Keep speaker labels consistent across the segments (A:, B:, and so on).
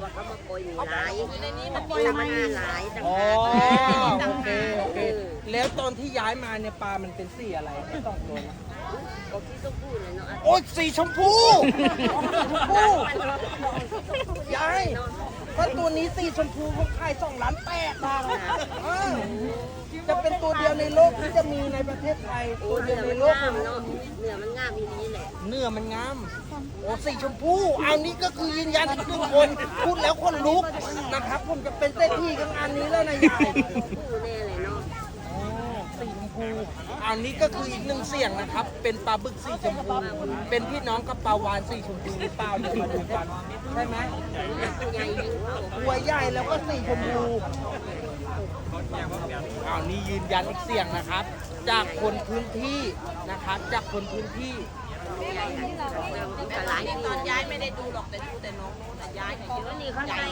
A: ว่าเขามาโกยหลายในนี้มันมีหลายต่าง
B: อ๋อ
A: หาก
B: โอเคโอเคแล้วตอนที่ย้ายมาเนี่ยปลามันเป็นสีอะไรไม่ต้องตัวนะ
A: ก็ที่ต้องพูดเลยเนาะ
B: โอ้ยสีชมพูยายถ้าตัวนี้สีชมพูเขาขาย2,800,000 บาทจะเป็นตัวเดียวในโลกที่จะมีในประเทศไทยตัวเดียวในโลก
A: เนาะเนื้อมันงามอีนี้แหละ
B: เนื้อมันงามโอ้สีชมพูอันนี้ก็คือยืนยันทุกคนพูดแล้วคนลุกนะครับผมจะเป็นเศรษฐีกับอันนี้แล้วนะยาย
A: พูดแน่เลยเนาะ
B: สีชมพูอันนี้ก็คืออีกหนึ่งเสียงนะครับ เป็นปลาบึกสีชมพูเป็นพี่น้องกับปลาวานสีชมพูหรือเปล่าเดี๋ยวมาดูกันใช่ไหม
A: ใหญ่ยิ่งเขา
B: ตัวใหญ่แล้วก็สีชมพูอ้าวนี่ยืนยันอีกเสียงนะครับ จากคนพื้นที่นะครับ จากคนพื้นที่
A: ใหญ่แต่หลายที่
C: ตอนย้ายไม่ได้ดูหรอกแต่ดูแต่น้องนู้นแต่ย้ายเนี่ยเย
A: แล้ว
C: อะ
A: นี่เขาใส่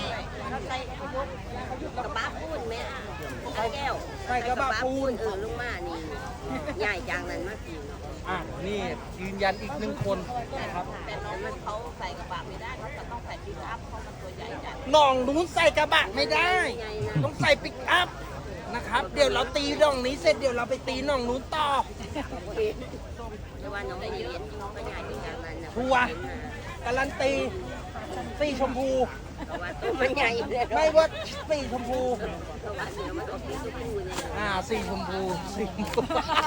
A: กระบะปูนแม่แก้วลงมานี่ใหญ่จังนั้นมากจริง
B: อ่ะนี่ยืนยันอีกหนึ่งคนนะครับ
C: แต่น้องนู้นเขาใส่กระบะไม่ได้เขาจะต้องใส่ปิกอัพเพราะมันตัวใหญ่จัด
B: น้องนู้นใส่กระบะไม่ได้ ต้องใส่ปิกอัพนะครับ เดี๋ยวเราตีน้องนี้เสร็จเดี๋ยวเราไปตีน้องนู้นต่อ
A: แต่ว่าน้องได้เรียนน้องก็ใหญ่จังนั้นนะ
B: ทัวร์การันตีสีชมพู
A: เพราะว่าตัวมันใหญ่เลย
B: ไม่ว่าสีชมพู
A: เพราะว่าเนื้อมันออกสีชมพูเนี่ย
B: สีชมพูสีชมพู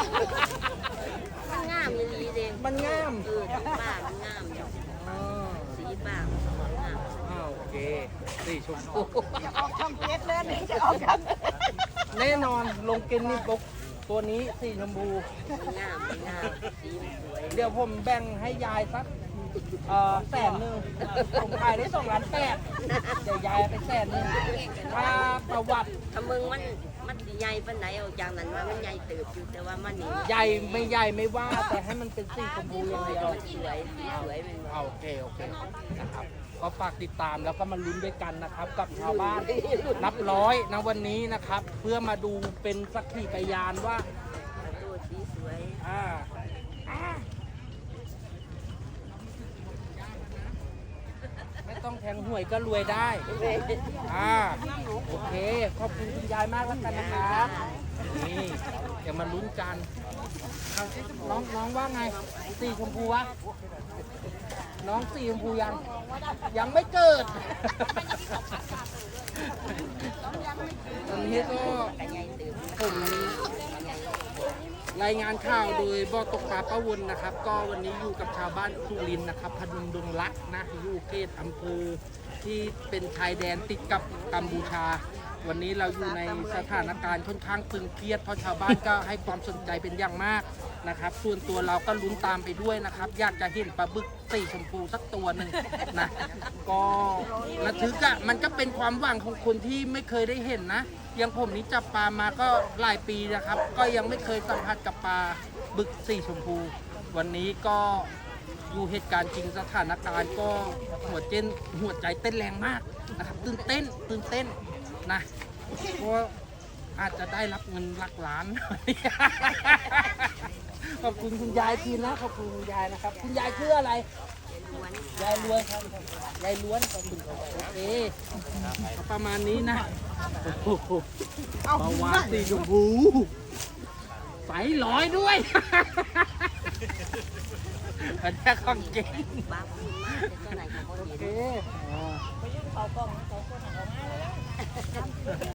A: มันงามเลยดีเด้ง
B: มันงาม
A: ป้ามันงามอยู่
B: อ๋อ
A: สีป้างาม
B: อ้าวโอเคสีชมพู
C: ออกช่องเจ็ดเลยนี่จะออกช่อง
B: แน่นอนลงกินนี่ปุ๊บตัวนี้สีชมพู
A: มันงามสีมันสวย
B: เดี๋ยวผมแบ่งให้ยายสัก100,000ผมขายได้2,800,000เดี๋ยวยายไป100,000ถ้าประวัติ
A: ถ้ามึงมันใหญ่ปานไหนเอาจากนั้นว่ามันใหญ่เติบอยู่แต่ว่ามันนี่
B: ใหญ่ไม่ว่าแต่ให้มันเป็นสีชมพูอย่างเดียว
A: มันสวยสีสวยมัน
B: โอเคนะครับก็ฝากติดตามแล้วก็มาลุ้นด้วยกันนะครับ กับชาวบ้านนับร้อยนะวันนี้นะครับ เพื่อมาดูเป็นสักขีพยานว่า
A: ตัวสีสวย
B: ไม่ต้องแทงหวยก็รวยได้โอเคขอบคุณคุณยายมากแล้วกันนะครับนี่เดี๋ยวมาลุ้นกันน้องว่าไงสีชมพูวะน้องสีชมพูยังไม่เกิดตอนนี้ก็ผมรายงานข่าวโดยบ่อตกปลาป้าวนนะครับ ก็วันนี้อยู่กับชาวบ้านสุรินทร์นะครับพนมดงรักนะอยู่เขตอำเภอที่เป็นชายแดนติดกับกัมพูชา วันนี้เราอยู่ในสถานการณ์ค่อนข้างตึงเครียดเพราะชาวบ้านก็ให้ความสนใจเป็นอย่างมากนะครับ ส่วนตัวเราก็ลุ้นตามไปด้วยนะครับ อยากจะเห็นปลาบึกสีชมพูสักตัวหนึ่งนะก็ระทึกอะมันก็เป็นความหวังของคนที่ไม่เคยได้เห็นนะอย่างผมนี้จับปลามาก็หลายปีนะครับ ก็ยังไม่เคยสัมผัสกับปลาบึกสีชมพู วันนี้ก็อยู่เหตุการณ์จริงสถานการณ์ก็หัวใจเต้นแรงมากนะครับตื่นเต้นนะเพราะอาจจะได้รับเงินหลักล้าน ขอบคุณคุณยายทีนะขอบคุณคุณยายนะครับคุณยายชื่ออะไรยายล้วนครับยายล้วนขอบคุณครับโอเคประมาณนี้นะโอ้โหปลาวาฬสีชมพูใสลอยด้วย อันนี้ของจริง
A: บ้าพูดมากแต่ตัวไหนเขาก็
B: โอ
A: เห็น
B: เค